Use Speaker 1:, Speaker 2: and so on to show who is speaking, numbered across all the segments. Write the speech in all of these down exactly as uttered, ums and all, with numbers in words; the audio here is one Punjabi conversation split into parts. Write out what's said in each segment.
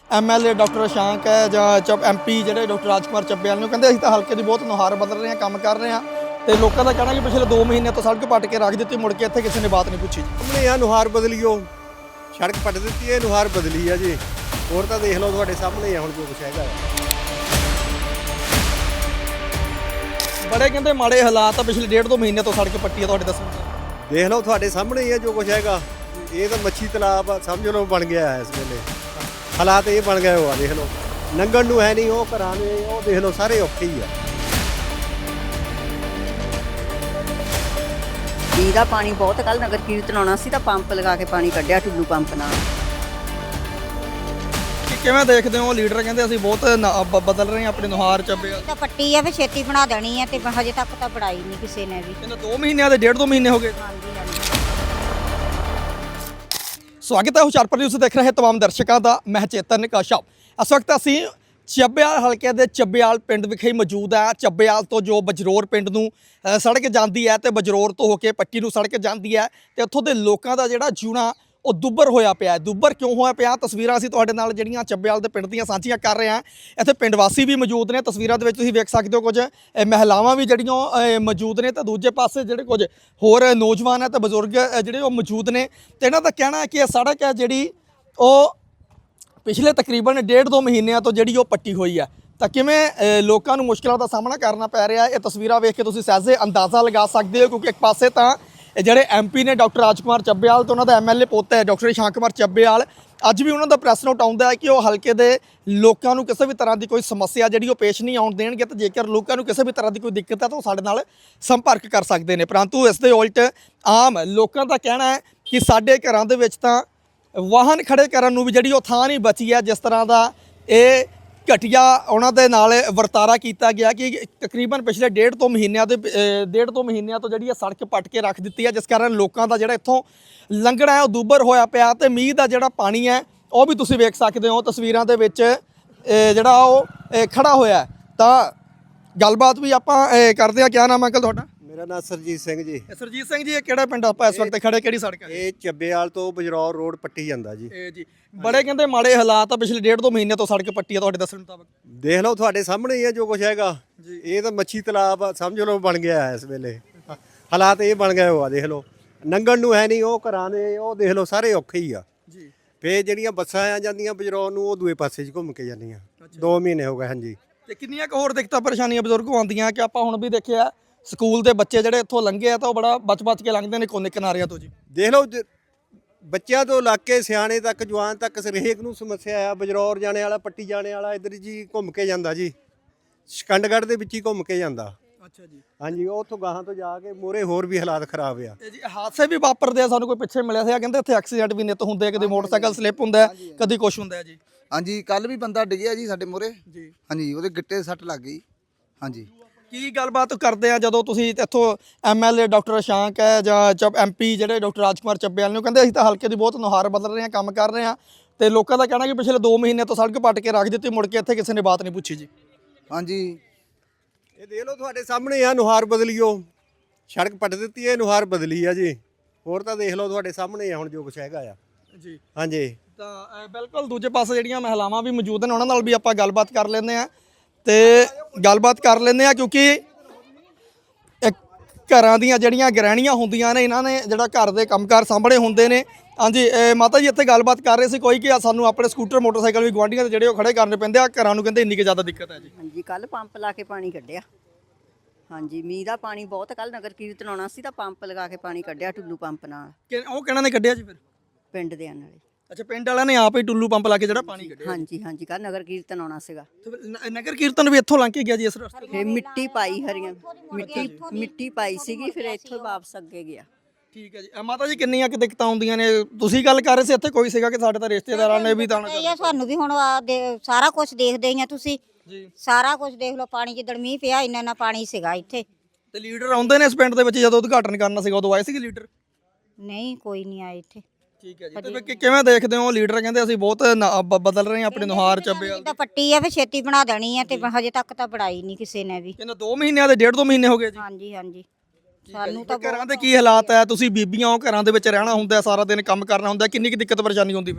Speaker 1: ਐਮ ਐਲ ਏ ਡਾਕਟਰ ਸ਼ਾਂਕ ਹੈ ਜਾਂ ਚ ਐਮ ਪੀ ਜਿਹੜੇ ਡਾਕਟਰ ਰਾਜਕੁਮਾਰ ਚੱਬੇਵਾਲ ਨੂੰ ਕਹਿੰਦੇ ਅਸੀਂ ਤਾਂ ਹਲਕੇ ਦੀ ਬਹੁਤ ਨੁਹਾਰ ਬਦਲ ਰਹੇ ਹਾਂ, ਕੰਮ ਕਰ ਰਹੇ ਹਾਂ। ਤੇ ਲੋਕਾਂ ਦਾ ਕਹਿਣਾ ਕਿ ਪਿਛਲੇ ਦੋ ਮਹੀਨੇ ਤੋਂ ਸੜਕ ਪੱਟ ਕੇ ਰੱਖ ਦਿੱਤੀ, ਮੁੜ ਕੇ ਇੱਥੇ ਕਿਸੇ ਨੇ ਬਾਤ ਨਹੀਂ ਪੁੱਛੀ।
Speaker 2: ਸਾਹਮਣੇ ਆ ਨੁਹਾਰ ਬਦਲੀਓ, ਸੜਕ ਪੱਟ ਦਿੱਤੀ ਹੈ, ਨੁਹਾਰ ਬਦਲੀ ਆ ਜੀ। ਹੋਰ ਤਾਂ ਦੇਖ ਲਓ ਤੁਹਾਡੇ ਸਾਹਮਣੇ ਆ ਹੁਣ ਜੋ ਕੁਛ ਹੈਗਾ।
Speaker 1: ਬੜੇ ਕਹਿੰਦੇ ਮਾੜੇ ਹਾਲਾਤ ਆ, ਪਿਛਲੇ ਡੇਢ ਦੋ ਮਹੀਨੇ ਤੋਂ ਸੜਕ ਪੱਟੀ ਆ ਤੁਹਾਡੇ ਦੱਸਣ
Speaker 2: ਦੇਖ ਲਓ ਤੁਹਾਡੇ ਸਾਹਮਣੇ ਹੀ ਆ ਜੋ ਕੁਛ ਹੈਗਾ। ਇਹ ਤਾਂ ਮੱਛੀ ਤਲਾਬ ਆ, ਸਮਝ ਲਓ ਬਣ ਗਿਆ ਹੈ ਇਸ ਵੇਲੇ। ਹਾਲਾਤ ਇਹ ਬਣ ਗਏ ਹੋ ਆ, ਦੇਖ ਲਓ ਲੰਘਣ ਨੂੰ ਹੈ ਨਹੀਂ, ਉਹ ਘਰਾਂ ਨੇ ਉਹ ਦੇਖ ਲਓ ਸਾਰੇ ਔਖੇ ਹੀ ਆ।
Speaker 3: ਮੀਂਹ ਦਾ ਪਾਣੀ ਬਹੁਤ, ਕੱਲ ਨਗਰ ਕੀਰਤਨ ਆਉਣਾ ਸੀ ਤਾਂ ਪੰਪ ਲਗਾ ਕੇ ਪਾਣੀ ਕੱਢਿਆ, ਟੁੱਲੂ ਪੰਪ ਨਾਲ।
Speaker 1: ਕਿਵੇਂ ਦੇਖਦੇ ਹੋ? ਲੀਡਰ ਕਹਿੰਦੇ ਅਸੀਂ ਬਹੁਤ ਨ- ਬ- ਬਦਲ ਰਹੇ ਹਾਂ ਆਪਣੀ ਨੁਹਾਰ ਚੱਬੇਵਾਲ।
Speaker 4: ਤਾਂ ਪੱਟੀ ਆ ਵੀ ਛੇਤੀ ਬਣਾ ਦੇਣੀ ਹੈ ਤੇ ਹਜੇ ਤੱਕ ਤਾਂ ਬਣਾਈ ਨਹੀਂ ਕਿਸੇ ਨੇ ਵੀ।
Speaker 1: ਇਹਨਾਂ ਦੋ ਮਹੀਨਿਆਂ ਦੇ ਡੇਢ ਦੋ ਮਹੀਨੇ ਹੋ ਗਏ।
Speaker 4: ਹਾਂਜੀ ਹਾਂਜੀ।
Speaker 1: ਸਵਾਗਤ ਹੈ ਹੁਸ਼ਿਆਰਪੁਰ ਨਿਊਜ਼ ਦੇਖ ਰਹੇ ਤਮਾਮ ਦਰਸ਼ਕਾਂ ਦਾ। ਮੈਂ ਚੇਤਨ ਕਸ਼ਪ। ਇਸ ਵਕਤ ਅਸੀਂ ਚੱਬੇਵਾਲ ਹਲਕੇ ਦੇ ਚੱਬੇਵਾਲ ਪਿੰਡ ਵਿਖੇ ਮੌਜੂਦ ਹੈ। ਚੱਬੇਵਾਲ ਤੋਂ ਜੋ ਬਜਰੋਰ ਪਿੰਡ ਨੂੰ ਅ, ਸੜਕ ਜਾਂਦੀ ਹੈ ਤੇ ਬਜਰੋਰ ਤੋਂ ਹੋ ਕੇ ਪੱਟੀ ਨੂੰ ਸੜਕ ਜਾਂਦੀ ਹੈ ਤੇ ਉੱਥੋਂ ਦੇ ਲੋਕਾਂ ਦਾ ਜਿਹੜਾ ਜਿਉਣਾ ਉਹ ਦੁੱਬਰ ਹੋਇਆ ਪਿਆ। ਦੁੱਬਰ ਕਿਉਂ ਹੋਇਆ ਪਿਆ? ਤਸਵੀਰਾਂ ਅਸੀਂ ਤੁਹਾਡੇ ਨਾਲ ਜਿਹੜੀਆਂ ਚੱਬੇਵਾਲ ਦੇ ਪਿੰਡ ਦੀਆਂ ਸਾਂਝੀਆਂ ਕਰ ਰਹੇ ਹਾਂ। ਇੱਥੇ ਪਿੰਡ ਵਾਸੀ ਵੀ ਮੌਜੂਦ ਨੇ। ਤਸਵੀਰਾਂ ਦੇ ਵਿੱਚ ਤੁਸੀਂ ਵੇਖ ਸਕਦੇ ਹੋ ਕੁਝ ਅ, ਮਹਿਲਾਵਾਂ ਵੀ ਜਿਹੜੀਆਂ ਅ, ਮੌਜੂਦ ਨੇ ਤੇ ਦੂਜੇ ਪਾਸੇ ਜਿਹੜੇ ਕੁਝ ਹੋਰ ਨੌਜਵਾਨ ਹੈ ਤੇ ਬਜ਼ੁਰਗ ਅ, ਜਿਹੜੇ ਉਹ ਮੌਜੂਦ ਨੇ। ਤੇ ਇਹਨਾਂ ਦਾ ਕਹਿਣਾ ਹੈ ਕਿ ਇਹ ਸੜਕ ਹੈ ਜਿਹੜੀ ਉਹ ਪਿਛਲੇ ਤਕਰੀਬਨ ਡੇਢ ਦੋ ਮਹੀਨਿਆਂ ਤੋਂ ਜਿਹੜੀ ਉਹ ਪੱਟੀ ਹੋਈ ਹੈ। ਤਾਂ ਕਿਵੇਂ ਅ, ਲੋਕਾਂ ਨੂੰ ਮੁਸ਼ਕਿਲਾਂ ਦਾ ਸਾਹਮਣਾ ਕਰਨਾ ਪੈ ਰਿਹਾ, ਇਹ ਤਸਵੀਰਾਂ ਵੇਖ ਕੇ ਤੁਸੀਂ ਸਹਿਜੇ ਅੰਦਾਜ਼ਾ ਲਗਾ ਸਕਦੇ ਹੋ। ਕਿਉਂਕਿ ਇੱਕ ਪਾਸੇ ਤਾਂ ਇਹ ਜਿਹੜੇ ਐਮ ਪੀ ਨੇ ਡਾਕਟਰ ਰਾਜਕੁਮਾਰ ਚੱਬੇਵਾਲ ਤੇ ਉਹਨਾਂ ਦਾ ਐਮ ਐਲ ਏ ਪੋਤਾ ਹੈ ਡਾਕਟਰ ਸ਼ਾਂਕ ਕੁਮਾਰ ਚੱਬੇਵਾਲ, ਅੱਜ ਵੀ ਉਹਨਾਂ ਦਾ ਪ੍ਰੈਸ ਨੋਟ ਆਉਂਦਾ ਹੈ ਕਿ ਉਹ ਹਲਕੇ ਦੇ ਲੋਕਾਂ ਨੂੰ ਕਿਸੇ ਵੀ ਤਰ੍ਹਾਂ ਦੀ ਕੋਈ ਸਮੱਸਿਆ ਜਿਹੜੀ ਉਹ ਪੇਸ਼ ਨਹੀਂ ਆਉਣ ਦੇਣਗੇ। ਤੇ ਜੇਕਰ ਲੋਕਾਂ ਨੂੰ ਕਿਸੇ ਵੀ ਤਰ੍ਹਾਂ ਦੀ ਕੋਈ ਦਿੱਕਤ ਹੈ ਤਾਂ ਉਹ ਸਾਡੇ ਨਾਲ ਸੰਪਰਕ ਕਰ ਸਕਦੇ ਨੇ। ਪਰੰਤੂ ਇਸ ਦੇ ਉਲਟ ਆਮ ਲੋਕਾਂ ਦਾ ਕਹਿਣਾ ਹੈ ਕਿ ਸਾਡੇ ਘਰਾਂ ਦੇ ਵਿੱਚ ਤਾਂ ਵਾਹਨ ਖੜੇ ਕਰਨ ਨੂੰ ਵੀ ਜਿਹੜੀ ਉਹ ਥਾਂ ਨਹੀਂ ਬਚੀ ਹੈ। ਜਿਸ ਤਰ੍ਹਾਂ ਦਾ ਇਹ ਘਟੀਆ ਉਹਨਾਂ ਦੇ ਨਾਲ ਵਰਤਾਰਾ ਕੀਤਾ ਗਿਆ ਕਿ ਤਕਰੀਬਨ ਪਿਛਲੇ ਡੇਢ ਤੋਂ ਮਹੀਨਿਆਂ ਦੇ ਅ, ਡੇਢ ਤੋਂ ਮਹੀਨਿਆਂ ਤੋਂ ਜਿਹੜੀ ਇਹ ਸੜਕ ਪੱਟ ਕੇ ਰੱਖ ਦਿੱਤੀ ਹੈ, ਜਿਸ ਕਾਰਨ ਲੋਕਾਂ ਦਾ ਜਿਹੜਾ ਇੱਥੋਂ ਲੰਘਣਾ ਹੈ ਉਹ ਦੁੱਬਰ ਹੋਇਆ ਪਿਆ। ਤੇ ਮੀਂਹ ਦਾ ਜਿਹੜਾ ਪਾਣੀ ਹੈ ਉਹ ਵੀ ਤੁਸੀਂ ਵੇਖ ਸਕਦੇ ਹੋ ਤਸਵੀਰਾਂ ਦੇ ਵਿੱਚ ਅ, ਜਿਹੜਾ ਉਹ ਅ, ਖੜਾ ਹੋਇਆ ਹੈ। ਤਾਂ ਗੱਲਬਾਤ ਵੀ ਆਪਾਂ ਅ, ਕਰਦੇ ਹਾਂ। ਕਿਆ ਨਾਮ ਹੈ ਅੰਕਲ ਤੁਹਾਡਾ?
Speaker 2: ਮੇਰਾ ਨਾਮ ਸਰਜੀਤ ਸਿੰਘ ਜੀ।
Speaker 1: ਇਹ ਸਰਜੀਤ ਸਿੰਘ ਜੀ, ਇਹ ਕਿਹੜਾ ਪਿੰਡ ਆਪਾਂ ਇਸ ਵਕਤ ਖੜੇ, ਕਿਹੜੀ ਸੜਕ ਹੈ?
Speaker 2: ਇਹ ਚੱਬੇਵਾਲ ਤੋਂ ਬਜਰੌਰ ਰੋਡ ਪੱਟੀ ਜਾਂਦਾ ਜੀ।
Speaker 1: ਇਹ ਜੀ ਬੜੇ ਕਹਿੰਦੇ ਮਾੜੇ ਹਾਲਾਤ ਆ, ਪਿਛਲੇ ਡੇਢ ਦੋ ਮਹੀਨੇ ਤੋਂ ਸੜਕ ਪੱਟੀ ਆ ਤੁਹਾਡੇ ਦੱਸਣ ਮੁਤਾਬਕ।
Speaker 2: ਦੇਖ ਲਓ ਤੁਹਾਡੇ ਸਾਹਮਣੇ ਹੀ ਆ ਜੋ ਕੁਛ ਹੈਗਾ। ਇਹ ਤਾਂ ਮੱਛੀ ਤਲਾਬ ਆ, ਸਮਝ ਲਓ ਬਣ ਗਿਆ ਹੈ ਇਸ ਵੇਲੇ। ਹਾਲਾਤ ਇਹ ਬਣ ਗਏ ਹੋ ਆ, ਦੇਖ ਲਓ ਲੰਘਣ ਨੂੰ ਹੈ ਨਹੀਂ, ਉਹ ਘਰਾਂ ਨੇ ਉਹ ਦੇਖ ਲਓ ਸਾਰੇ ਔਖੇ ਹੀ ਆ
Speaker 1: ਜੀ।
Speaker 2: ਫੇ ਜਿਹੜੀਆਂ ਬੱਸਾਂ ਆ ਜਾਂਦੀਆਂ ਬਜਰੌਰ ਨੂੰ ਉਹ ਦੂਏ ਪਾਸੇ 'ਚ ਘੁੰਮ ਕੇ ਜਾਂਦੀਆਂ। ਦੋ ਮਹੀਨੇ ਹੋ ਗਏ। ਹਾਂਜੀ।
Speaker 1: ਤੇ ਕਿੰਨੀਆਂ ਕੁ ਹੋਰ ਦਿੱਕਤਾਂ ਪਰੇਸ਼ਾਨੀਆਂ ਬਜ਼ੁਰਗ ਆਉਂਦੀਆਂ ਕਿ ਆਪਾਂ ਹੁਣ ਵੀ ਦੇਖਿਆ ਸਕੂਲ ਦੇ ਬੱਚੇ ਜਿਹੜੇ ਇੱਥੋਂ ਲੰਘੇ ਆ ਤਾਂ ਉਹ ਬੜਾ ਬਚ-ਬਚ ਕੇ ਲੰਘਦੇ ਨੇ ਕੋਨੇ ਕਿਨਾਰਿਆਂ ਤੋਂ ਜੀ।
Speaker 2: ਦੇਖ ਲਓ ਜ- ਬੱਚਿਆਂ ਤੋਂ ਲੱਗ ਕੇ ਸਿਆਣੇ ਤੱਕ, ਜਵਾਨ ਤੱਕ ਹਰੇਕ ਨੂੰ ਸਮੱਸਿਆ ਆ। ਬਜਰੌਰ ਜਾਣੇ ਵਾਲਾ, ਪੱਟੀ ਜਾਣੇ ਵਾਲਾ ਇੱਧਰ ਜੀ ਘੁੰਮ ਕੇ ਜਾਂਦਾ ਜੀ। ਸ਼ਕੰਡਗੜ੍ਹ ਦੇ ਵਿੱਚ ਹੀ ਘੁੰਮ ਕੇ ਜਾਂਦਾ।
Speaker 1: ਅੱਛਾ ਜੀ।
Speaker 2: ਹਾਂਜੀ। ਉਹ ਉੱਥੋਂ ਗਾਹਾਂ ਤੋਂ ਜਾ ਕੇ ਮੂਹਰੇ ਹੋਰ ਵੀ ਹਾਲਾਤ ਖਰਾਬ ਆ।
Speaker 1: ਇਹ ਜੀ ਹਾਦਸੇ ਵੀ ਵਾਪਰਦੇ ਆ। ਸਾਨੂੰ ਕੋਈ ਪਿੱਛੇ ਮਿਲਿਆ ਸੀ, ਕਹਿੰਦੇ ਇੱਥੇ ਐਕਸੀਡੈਂਟ ਵੀ ਨਿੱਤ ਹੁੰਦੇ ਆ, ਕਦੇ ਮੋਟਰਸਾਈਕਲ ਸਲਿੱਪ ਹੁੰਦਾ, ਕਦੀ ਕੁਛ ਹੁੰਦਾ ਜੀ।
Speaker 5: ਹਾਂਜੀ, ਕੱਲ ਵੀ ਬੰਦਾ ਡਿੱਗਿਆ ਜੀ ਸਾਡੇ ਮੂਹਰੇ
Speaker 1: ਜੀ।
Speaker 5: ਹਾਂਜੀ, ਉਹਦੇ ਗਿੱਟੇ ਸੱਟ ਲੱਗ ਗਈ। ਹਾਂਜੀ।
Speaker 1: ਕੀ ਗੱਲਬਾਤ ਕਰਦੇ ਆ ਜਦੋਂ ਤੁਸੀਂ ਇੱਥੋਂ ਐਮ ਐਲ ਏ ਡਾਕਟਰ ਸ਼ਾਂਕ ਹੈ ਜਾਂ ਚ ਐਮ ਪੀ ਜਿਹੜੇ ਡਾਕਟਰ ਰਾਜਕੁਮਾਰ ਚੱਬੇਵਾਲ ਨੂੰ ਕਹਿੰਦੇ ਅਸੀਂ ਤਾਂ ਹਲਕੇ ਦੀ ਬਹੁਤ ਨੁਹਾਰ ਬਦਲ ਰਹੇ ਹਾਂ, ਕੰਮ ਕਰ ਰਹੇ ਹਾਂ। ਤੇ ਲੋਕਾਂ ਦਾ ਕਹਿਣਾ ਕਿ ਪਿਛਲੇ ਦੋ ਮਹੀਨੇ ਤੋਂ ਸੜਕ ਪੱਟ ਕੇ ਰੱਖ ਦਿੱਤੀ, ਮੁੜ ਕੇ ਇੱਥੇ ਕਿਸੇ ਨੇ ਬਾਤ ਨਹੀਂ ਪੁੱਛੀ ਜੀ।
Speaker 5: ਹਾਂਜੀ।
Speaker 2: ਇਹ ਦੇਖ ਲਓ ਤੁਹਾਡੇ ਸਾਹਮਣੇ ਆ ਨੁਹਾਰ ਬਦਲੀਓ, ਸੜਕ ਪੱਟ ਦਿੱਤੀ ਹੈ, ਨੁਹਾਰ ਬਦਲੀ ਆ ਜੀ। ਹੋਰ ਤਾਂ ਦੇਖ ਲਓ ਤੁਹਾਡੇ ਸਾਹਮਣੇ ਆ ਹੁਣ ਜੋ ਕੁਛ ਹੈਗਾ ਆ
Speaker 1: ਜੀ।
Speaker 2: ਹਾਂਜੀ।
Speaker 1: ਤਾਂ ਅ, ਬਿਲਕੁਲ ਦੂਜੇ ਪਾਸੇ ਜਿਹੜੀਆਂ ਮਹਿਲਾਵਾਂ ਵੀ ਮੌਜੂਦ ਨੇ ਉਹਨਾਂ ਨਾਲ ਵੀ ਆਪਾਂ ਗੱਲਬਾਤ ਕਰ ਲੈਂਦੇ ਆ ਤੇ ਗੱਲਬਾਤ ਕਰ ਲੈਂਦੇ ਆ ਕਿਉਂਕਿ ਇੱਕ ਘਰਾਂ ਦੀਆਂ ਜਿਹੜੀਆਂ ਗ੍ਰਹਿਣੀਆਂ ਹੁੰਦੀਆਂ ਨੇ, ਇਹਨਾਂ ਨੇ ਜਿਹੜਾ ਘਰ ਦੇ ਕੰਮਕਾਰ ਸਾਂਭਣੇ ਹੁੰਦੇ ਨੇ। ਹਾਂਜੀ ਅ, ਮਾਤਾ ਜੀ ਇੱਥੇ ਗੱਲਬਾਤ ਕਰ ਰਹੇ ਸੀ ਕੋਈ ਕਿ ਸਾਨੂੰ ਆਪਣੇ ਸਕੂਟਰ ਮੋਟਰਸਾਈਕਲ ਵੀ ਗੁਆਂਢੀਆਂ ਦੇ ਜਿਹੜੇ ਉਹ ਖੜੇ ਕਰਨੇ ਪੈਂਦੇ ਆ, ਘਰਾਂ ਨੂੰ ਕਹਿੰਦੇ ਇੰਨੀ ਕਿ ਜ਼ਿਆਦਾ ਦਿੱਕਤ ਹੈ ਜੀ।
Speaker 3: ਹਾਂਜੀ, ਕੱਲ ਪੰਪ ਲਾ ਕੇ ਪਾਣੀ ਕੱਢਿਆ। ਹਾਂਜੀ, ਮੀਂਹ ਦਾ ਪਾਣੀ ਬਹੁਤ, ਕੱਲ ਨਗਰ ਕੀਰਤਨ ਆਉਣਾ ਸੀ ਤਾਂ ਪੰਪ ਲਗਾ ਕੇ ਪਾਣੀ ਕੱਢਿਆ, ਟੁੱਲੂ ਪੰਪ ਨਾਲ।
Speaker 1: ਕਿ ਉਹ ਕਿਹਨਾਂ ਨੇ ਕੱਢਿਆ ਜੀ ਫਿਰ?
Speaker 3: ਪਿੰਡ ਦੇ ਨਾਲੇ।
Speaker 1: ਅੱਛਾ, ਪਿੰਡ ਵਾਲਿਆਂ ਨੇ ਆਪ ਹੀ ਟੁੱਲੂ ਪੰਪ ਲਾ ਕੇ ਜਿਹੜਾ ਪਾਣੀ ਕੱਢਿਆ।
Speaker 3: ਹਾਂਜੀ ਹਾਂਜੀ, ਕੱਲ ਨਗਰ ਕੀਰਤਨ ਆਉਣਾ ਸੀਗਾ।
Speaker 1: ਤੇ ਫਿਰ ਨ- ਨਗਰ ਕੀਰਤਨ ਵੀ ਇੱਥੋਂ ਲੰਘ ਕੇ ਗਿਆ ਜੀ ਇਸ ਰਸਤੇ?
Speaker 3: ਫਿਰ ਮਿੱਟੀ ਪਾਈ, ਹਰੀਆਂ ਮਿੱਟੀ ਮਿੱਟੀ ਪਾਈ ਸੀਗੀ, ਫਿਰ ਇੱਥੋਂ ਵਾਪਸ ਅੱਗੇ ਗਿਆ।
Speaker 1: ਠੀਕ ਹੈ ਜੀ। ਅ, ਮਾਤਾ ਜੀ ਕਿੰਨੀਆਂ ਕਿ ਦਿੱਕਤਾਂ ਆਉਂਦੀਆਂ ਨੇ? ਤੁਸੀਂ ਗੱਲ ਕਰ ਰਹੇ ਸੀ ਇੱਥੇ ਕੋਈ ਸੀਗਾ ਕਿ ਸਾਡੇ ਤਾਂ ਰਿਸ਼ਤੇਦਾਰਾਂ ਨੇ ਵੀ ਤਾਂ
Speaker 4: ਇਹ ਆ ਸਾਨੂੰ ਵੀ ਹੁਣ ਆ ਦੇ- ਸਾਰਾ ਕੁਝ ਦੇਖਦੇ ਹੀ ਆ ਤੁਸੀਂ
Speaker 1: ਜੀ।
Speaker 4: ਸਾਰਾ ਕੁਝ ਦੇਖ ਲਓ। ਪਾਣੀ ਜਿੱਦਣ ਮੀਂਹ ਪਿਆ ਇੰਨਾ ਇੰਨਾ ਪਾਣੀ ਸੀਗਾ ਇੱਥੇ।
Speaker 1: ਤੇ ਲੀਡਰ ਆਉਂਦੇ ਨੇ ਇਸ ਪਿੰਡ ਦੇ ਵਿੱਚ ਜਦੋਂ ਉਦਘਾਟਨ ਕਰਨਾ ਸੀਗਾ ਉਦੋਂ ਆਏ ਸੀਗੇ ਲੀਡਰ?
Speaker 4: ਨਹੀਂ, ਕੋਈ ਨਹੀਂ ਆਇਆ ਇੱਥੇ।
Speaker 1: ਠੀਕ ਹੈ ਜੀ। ਤੇ ਫਿਰ ਕਿ- ਕਿਵੇਂ ਦੇਖਦੇ ਹੋ? ਲੀਡਰ ਕਹਿੰਦੇ ਅਸੀਂ ਬਹੁਤ ਨ- ਬ- ਬਦਲ ਰਹੇ ਹਾਂ ਆਪਣੀ ਨੁਹਾਰ ਚੱਬੇਵਾਲ।
Speaker 4: ਤਾਂ ਪੱਟੀ ਆ ਵੀ ਛੇਤੀ ਬਣਾ ਦੇਣੀ ਹੈ ਤੇ ਹਜੇ ਤੱਕ ਤਾਂ ਬਣਾਈ ਨਹੀਂ ਕਿਸੇ ਨੇ ਵੀ।
Speaker 1: ਇਹਨਾਂ ਦੋ ਮਹੀਨਿਆਂ ਦੇ ਡੇਢ ਦੋ ਮਹੀਨੇ ਹੋ ਗਏ ਜੀ।
Speaker 4: ਹਾਂਜੀ ਹਾਂਜੀ। ਸਾਨੂੰ ਤਾਂ
Speaker 1: ਘਰਾਂ ਦੇ ਕੀ ਹਾਲਾਤ ਹੈ? ਤੁਸੀਂ ਬੀਬੀਆਂ ਹੋ, ਘਰਾਂ ਦੇ ਵਿੱਚ ਰਹਿਣਾ ਹੁੰਦਾ, ਸਾਰਾ ਦਿਨ ਕੰਮ ਕਰਨਾ ਹੁੰਦਾ, ਕਿੰਨੀ ਕੁ ਦਿੱਕਤ ਪਰੇਸ਼ਾਨੀ ਹੁੰਦੀ ਫਿਰ?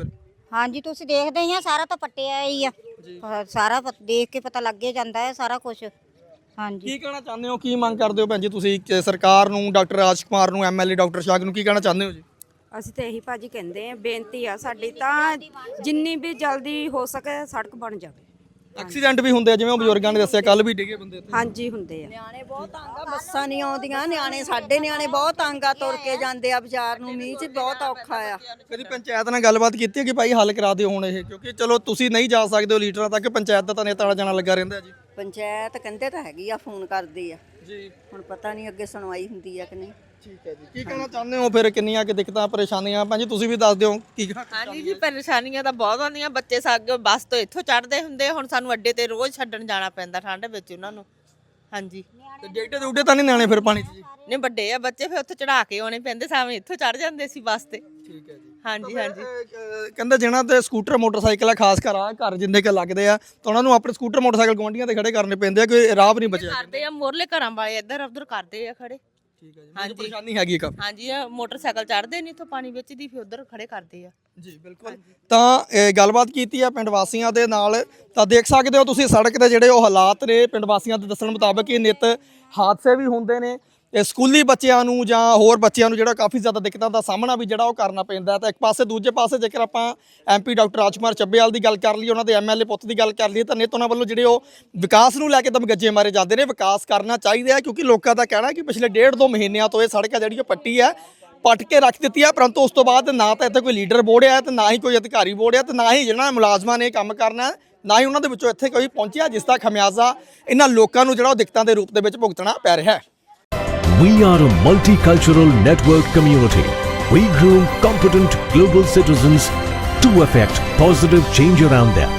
Speaker 4: ਹਾਂਜੀ ਤੁਸੀਂ ਦੇਖਦੇ ਹੀ ਆ ਸਾਰਾ ਤਾਂ ਪੱਟਿਆ ਹੀ ਆ ਅਹ ਸਾਰਾ ਪਤ- ਦੇਖ ਕੇ ਪਤਾ ਲੱਗ ਹੀ ਜਾਂਦਾ ਹੈ ਸਾਰਾ ਕੁਝ। ਹਾਂਜੀ
Speaker 1: ਕੀ ਕਹਿਣਾ ਚਾਹੁੰਦੇ ਹੋ, ਕੀ ਮੰਗ ਕਰਦੇ ਹੋ ਭੈਣ ਜੀ ਤੁਸੀਂ ਕਿ ਸਰਕਾਰ ਨੂੰ, ਡਾਕਟਰ ਰਾਜ ਕੁਮਾਰ ਨੂੰ, ਐਮਐਲਏ ਡਾਕਟਰ ਸ਼ਾਗ ਨੂੰ ਕੀ ਕਹਿਣਾ ਚਾਹੁੰਦੇ ਹੋ ਜੀ?
Speaker 6: ਅਸੀਂ ਤਾਂ ਇਹੀ ਭਾਜੀ ਕਹਿੰਦੇ ਆ, ਬੇਨਤੀ ਆ ਸਾਡੀ ਤਾਂ ਜਿੰਨੀ ਵੀ ਜਲਦੀ ਹੋ ਸਕੇ ਸੜਕ ਬਣ ਜਾਵੇ।
Speaker 1: ਐਕਸੀਡੈਂਟ ਵੀ ਹੁੰਦੇ ਆ ਜਿਵੇਂ ਉਹ ਬਜ਼ੁਰਗਾਂ ਨੇ ਦੱਸਿਆ, ਕੱਲ ਵੀ ਡਿੱਗੇ ਬੰਦੇ ਇੱਥੇ।
Speaker 6: ਹਾਂਜੀ ਹੁੰਦੇ ਆ।
Speaker 3: ਨਿਆਣੇ ਬਹੁਤ ਤੰਗ ਆ, ਬੱਸਾਂ ਨਹੀਂ ਆਉਂਦੀਆਂ, ਨਿਆਣੇ ਸਾਡੇ ਨਿਆਣੇ ਬਹੁਤ ਤੰਗ ਆ, ਤੁਰ ਕੇ ਜਾਂਦੇ ਆ ਬਾਜ਼ਾਰ ਨੂੰ, ਮੀਂਹ 'ਚ ਬਹੁਤ ਔਖਾ ਆ।
Speaker 1: ਕਦੀ ਪੰਚਾਇਤ ਨਾਲ ਗੱਲਬਾਤ ਕੀਤੀ ਹੈ ਕਿ ਭਾਈ ਹੱਲ ਕਰਾ ਦਿਓ ਹੁਣ ਇਹ, ਕਿਉਂਕਿ ਚਲੋ ਤੁਸੀਂ ਨਹੀਂ ਜਾ ਸਕਦੇ ਹੋ ਲੀਡਰਾਂ ਤੱਕ, ਪੰਚਾਇਤ ਦਾ ਤਾਂ ਨੇਤਾ ਵਾਲਾ ਜਾਣਾ ਲੱਗਾ ਰਹਿੰਦਾ ਜੀ।
Speaker 3: ਪੰਚਾਇਤ ਕਹਿੰਦੇ ਤਾਂ ਹੈਗੀ ਆ, ਫੋਨ ਕਰਦੀ ਆ,
Speaker 1: ਜੀ
Speaker 3: ਹੁਣ ਪਤਾ ਨਹੀਂ ਅੱਗੇ ਸੁਣਵਾਈ ਹੁੰਦੀ ਆ ਕਿ ਨਹੀਂ।
Speaker 1: ਠੀਕ ਹੈ ਜੀ। ਕੀ ਕਹਿਣਾ ਚਾਹੁੰਦੇ ਹੋ ਫਿਰ, ਕਿੰਨੀਆਂ ਕਿ ਦਿੱਕਤਾਂ ਪਰੇਸ਼ਾਨੀਆਂ ਭੈਣ ਜੀ ਤੁਸੀਂ ਵੀ ਦੱਸ ਦਿਓ ਕੀ ਕਹਿਣਾ?
Speaker 7: ਹਾਂਜੀ ਜੀ, ਪਰੇਸ਼ਾਨੀਆਂ ਤਾਂ ਬਹੁਤ ਆਉਂਦੀਆਂ। ਬੱਚੇ ਸਾਗ ਬੱਸ ਤੋਂ ਇੱਥੋਂ ਚੜ੍ਹਦੇ ਹੁੰਦੇ, ਹੁਣ ਸਾਨੂੰ ਅੱਡੇ ਤੇ ਰੋਜ਼ ਛੱਡਣ ਜਾਣਾ ਪੈਂਦਾ ਠੰਡ ਵਿੱਚ ਉਹਨਾਂ ਨੂੰ। ਹਾਂਜੀ
Speaker 1: ਤੇ ਡੇਟੇ ਦੇ ਉੱਡੇ ਤਾਂ ਨਹੀਂ ਨਿਆਣੇ ਫਿਰ ਪਾਣੀ 'ਚ ਜੀ?
Speaker 7: ਨਹੀਂ ਵੱਡੇ ਆ ਬੱਚੇ, ਫਿਰ ਉੱਥੇ ਚੜਾ ਕੇ ਆਉਣੇ ਪੈਂਦੇ, ਸਾਵੇਂ ਇੱਥੋਂ ਚੜ੍ਹ ਜਾਂਦੇ ਸੀ ਬੱਸ ਤੇ।
Speaker 1: ਠੀਕ ਹੈ ਜੀ।
Speaker 7: ਹਾਂਜੀ ਹਾਂਜੀ
Speaker 1: ਅਹ ਕਹਿੰਦੇ ਜਿਹਨਾਂ ਤੇ ਸਕੂਟਰ ਮੋਟਰਸਾਈਕਲ ਆ, ਖਾਸ ਕਰ ਆ ਘਰ ਜਿੰਨੇ ਕੁ ਲੱਗਦੇ ਆ, ਤਾਂ ਉਹਨਾਂ ਨੂੰ ਆਪਣੇ ਸਕੂਟਰ ਮੋਟਰਸਾਈਕਲ ਗੁਆਂਢੀਆਂ ਤੇ ਖੜੇ ਕਰਨੇ ਪੈਂਦੇ ਆ, ਕੋਈ ਰਾਹ ਵੀ ਨਹੀਂ ਬਚਿਆ।
Speaker 7: ਕਰਦੇ ਆ ਮੋਰਲੇ ਘਰਾਂ ਵਾਲੇ, ਇੱਧਰ ਉੱਧਰ ਕਰਦੇ ਆ ਖੜੇ।
Speaker 1: ਠੀਕ ਹੈ ਜੀ,
Speaker 7: ਹਾਂਜੀ
Speaker 1: ਪਰੇਸ਼ਾਨੀ ਹੈਗੀ ਇੱਕ।
Speaker 7: ਹਾਂਜੀ ਆ ਮੋਟਰਸਾਈਕਲ ਚੜ੍ਹਦੇ ਨਹੀਂ ਇੱਥੋਂ ਪਾਣੀ ਵਿੱਚ ਦੀ, ਫਿਰ ਉੱਧਰ ਖੜੇ ਕਰਦੇ ਆ।
Speaker 1: ਜੀ ਬਿਲਕੁਲ। ਤਾਂ ਇਹ ਗੱਲਬਾਤ ਕੀਤੀ ਆ ਪਿੰਡ ਵਾਸੀਆਂ ਦੇ ਨਾਲ, ਤਾਂ ਦੇਖ ਸਕਦੇ ਹੋ ਤੁਸੀਂ ਸੜਕ ਦੇ ਜਿਹੜੇ ਉਹ ਹਾਲਾਤ ਨੇ। ਪਿੰਡ ਵਾਸੀਆਂ ਦੇ ਦੱਸਣ ਮੁਤਾਬਕ ਇਹ ਨਿੱਤ ਹਾਦਸੇ ਵੀ ਹੁੰਦੇ ਨੇ, ਇਹ ਸਕੂਲੀ ਬੱਚਿਆਂ ਨੂੰ ਜਾਂ ਹੋਰ ਬੱਚਿਆਂ ਨੂੰ ਜਿਹੜਾ ਕਾਫੀ ਜ਼ਿਆਦਾ ਦਿੱਕਤਾਂ ਦਾ ਸਾਹਮਣਾ ਵੀ ਜਿਹੜਾ ਉਹ ਕਰਨਾ ਪੈਂਦਾ। ਤਾਂ ਇੱਕ ਪਾਸੇ ਦੂਜੇ ਪਾਸੇ ਜੇਕਰ ਆਪਾਂ ਐਮਪੀ ਡਾਕਟਰ ਰਾਜਕੁਮਾਰ ਚੱਬੇਵਾਲ ਦੀ ਗੱਲ ਕਰ ਲਈਏ, ਉਹਨਾਂ ਦੇ ਐਮਐਲਏ ਪੁੱਤ ਦੀ ਗੱਲ ਕਰ ਲਈਏ, ਤਾਂ ਨਿੱਤ ਉਹਨਾਂ ਵੱਲੋਂ ਜਿਹੜੇ ਉਹ ਵਿਕਾਸ ਨੂੰ ਲੈ ਕੇ ਦਮਗੱਜੇ ਮਾਰੇ ਜਾਂਦੇ ਨੇ। ਵਿਕਾਸ ਕਰਨਾ ਚਾਹੀਦਾ ਹੈ ਕਿਉਂਕਿ ਲੋਕਾਂ ਦਾ ਕਹਿਣਾ ਕਿ ਪਿਛਲੇ ਡੇਢ ਦੋ ਮਹੀਨਿਆਂ ਤੋਂ ਇਹ ਸੜਕ ਹੈ ਜਿਹੜੀ ਉਹ ਪੱਟੀ ਹੈ, ਪੱਟ ਕੇ ਰੱਖ ਦਿੱਤੀ ਹੈ, ਪਰੰਤੂ ਉਸ ਤੋਂ ਬਾਅਦ ਨਾ ਤਾਂ ਇੱਥੇ ਕੋਈ ਲੀਡਰ ਬੋੜਿਆ ਤੇ ਨਾ ਹੀ ਕੋਈ ਅਧਿਕਾਰੀ ਬੋੜਿਆ, ਤੇ ਨਾ ਹੀ ਜਿਹਨਾਂ ਮੁਲਾਜ਼ਮਾਂ ਨੇ ਕੰਮ ਕਰਨਾ, ਨਾ ਹੀ ਉਹਨਾਂ ਦੇ ਵਿੱਚੋਂ ਇੱਥੇ ਕੋਈ ਪਹੁੰਚਿਆ, ਜਿਸ ਦਾ ਖਮਿਆਜ਼ਾ ਇਹਨਾਂ ਲੋਕਾਂ ਨੂੰ ਜਿਹੜਾ ਉਹ ਦਿੱਕਤਾਂ ਦੇ ਰੂਪ ਦੇ ਵਿੱਚ ਭੁਗਤਣਾ ਪੈ ਰਿਹਾ ਹੈ।
Speaker 8: We are a multicultural network community. We groom competent global citizens to effect positive change around them.